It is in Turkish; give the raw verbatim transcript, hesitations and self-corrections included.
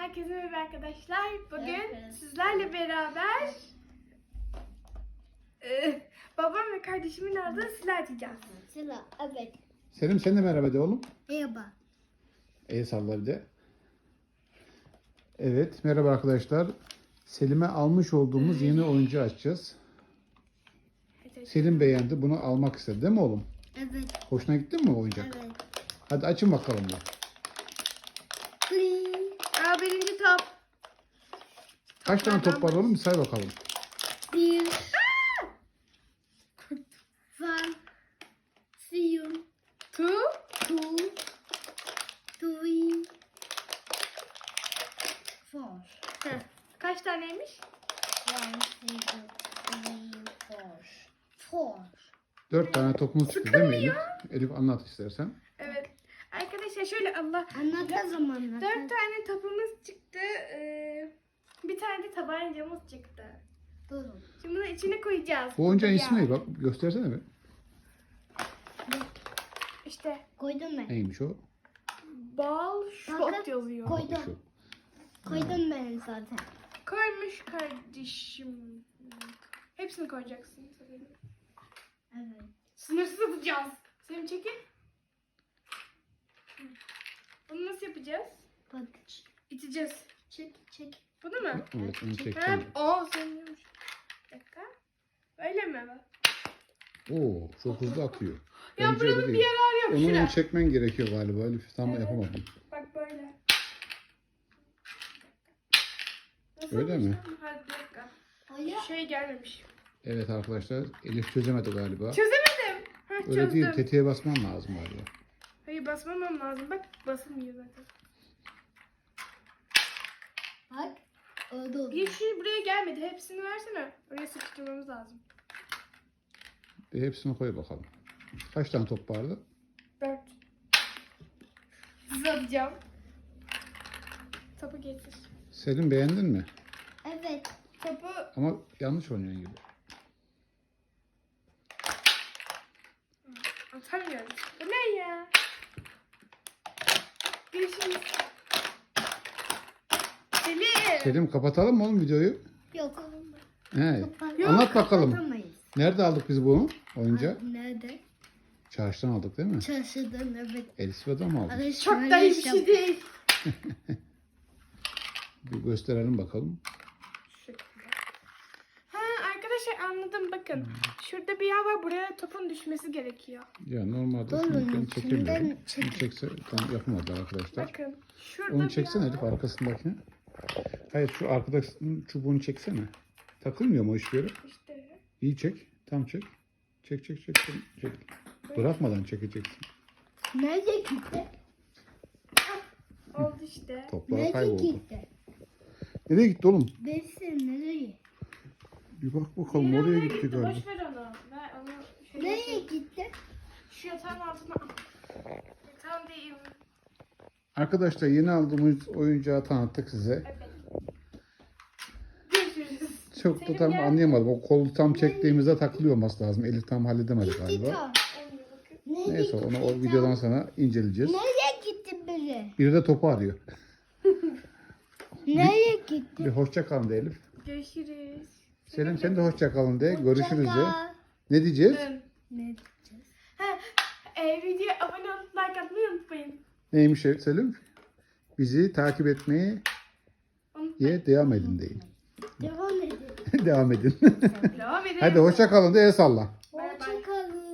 Herkese merhaba arkadaşlar. Bugün Evet. sizlerle beraber e, babam ve kardeşimin aldığı silah atacağız. Sıla, evet. Selim sen de merhaba de oğlum. Merhaba. El salla bir de. Evet merhaba arkadaşlar. Selim'e almış olduğumuz yeni oyuncağı açacağız. Selim beğendi, bunu almak istedi değil mi oğlum? Evet. Hoşuna gitti mi o oyuncak? Evet. Hadi açın bakalım da. Aa, birinci top. Kaç tane top var oğlum? Bir say bakalım. Bir. One. Three. Two. Two. Three. Four. Heh. Kaç taneymiş? One, two, three, four. Four. Dört tane topumuz çıktı değil mi Elif? Elif anlat istersen. Evet. Arkadaşlar şöyle Allah. Anlat o zaman. Dört tane topumuz çıktı. Ee, bir tane de tabancamız çıktı. Durun. Şimdi bunu içine koyacağız. Bu oyuncağın Ya. ismi ne? Bak göstersene bir. İşte Koydum ben. Neymiş o? bal shot Bakın, yazıyor. koy. Koydum. Şu. Koydum ben zaten. Koymuş kardeşim. Hepsini koyacaksın tabii. Evet. Sınırsız atacağız. Selim çekil. Bunu nasıl yapacağız? Bak. İteceğiz. Çek, çek. Bunu mu? Evet onu Ha, çekeceğim. o senin. Bir dakika. Öyle mi? Oo çok hızlı atıyor. Ya Bence öyle buranın bir değil. yararı yok. Onu, Şuraya. onu çekmen gerekiyor galiba Elif. Tam Evet. yapamadım. Bak böyle. Nasıl Öyle mi? yapacağım? Hadi bir dakika. Hayır. Şey gelmemiş. Evet arkadaşlar Elif çözemedi galiba. Çözemedim. Heh, Öyle çözdüm. değil, tetiğe basman lazım galiba. Hayır basmamam lazım. Bak basılmıyor zaten. Bak. Oldu oldu. Yeşil buraya gelmedi. Hepsini versene. Oraya sıkıştırmamız lazım. Bir hepsini koy bakalım. Kaç tane top vardı? Dört. Hızlı atacağım. Topu getir. Selim beğendin mi? Evet. Topu Ama yanlış oynuyorsun gibi. atamıyorum. Bu ne ya? Görüşürüz. Selim. Selim kapatalım mı oğlum videoyu? Yok. He. Kapat- Anlat bakalım. Kapatamayız. Nerede aldık biz bunu? Oyuncağı? Ay, nerede? Çarşıdan aldık değil mi? Çarşıdan evet. Elif'e mı aldık? Ay, Çok şöyle da iyi bir yap- şey değil. Bir gösterelim bakalım. Ha arkadaşlar anladım bakın. Şurada bir yer var. Buraya topun düşmesi gerekiyor. Ya normalde Oğlum, şunu ben çekemiyorum. şimdiden Şunu çekse tam yapamadı arkadaşlar. Bakın. Şurada Onu bir çeksene yer Elif var. arkasındakini. Hayır şu arkadaki çubuğunu çeksene. Takılmıyor mu o hiçbir yere? İşte. İyi çek. Tam çek. Çek çek çek. çek. çek. Bırakmadan çekeceksin. Nerede gitti? Oldu işte. Toplar Nerede kayboldu. gitti? Nereye gitti oğlum? Dersin nereye? Bir bak bakalım Yine oraya oraya gitti galiba. Boş ver onu. Ver onu. Şöyle Nereye gitti? Şu yatağın altına. Yatağın değil. Arkadaşlar yeni aldığımız oyuncağı tanıttık size. Evet. Görüşürüz. Çok da Selim tam gel. anlayamadım. O kolu tam çektiğimizde takılıyor olması lazım. Elif tam halledemedi galiba. Gitti. Olmuyor bakın. Nereye Neyse onu o videodan sonra inceleyeceğiz. Nereye gitti biri? Biri de topu arıyor. Nereye gitti? Bir hoşça kalın de Elif. Görüşürüz. Selim sen de hoşça kalın de. Görüşürüz de. Hoşça kal. Ne diyeceğiz? Dön. Ne diyeceğiz? Ha, e, videoya abone olup like atmayı unutmayın. Neymiş Selim? Bizi takip etmeye Unutmayın. ye devam edin deyin. Devam edin. Devam edin. Devam edin. Hadi hoşça kalın de el salla. Bay bay. Hoşça kalın.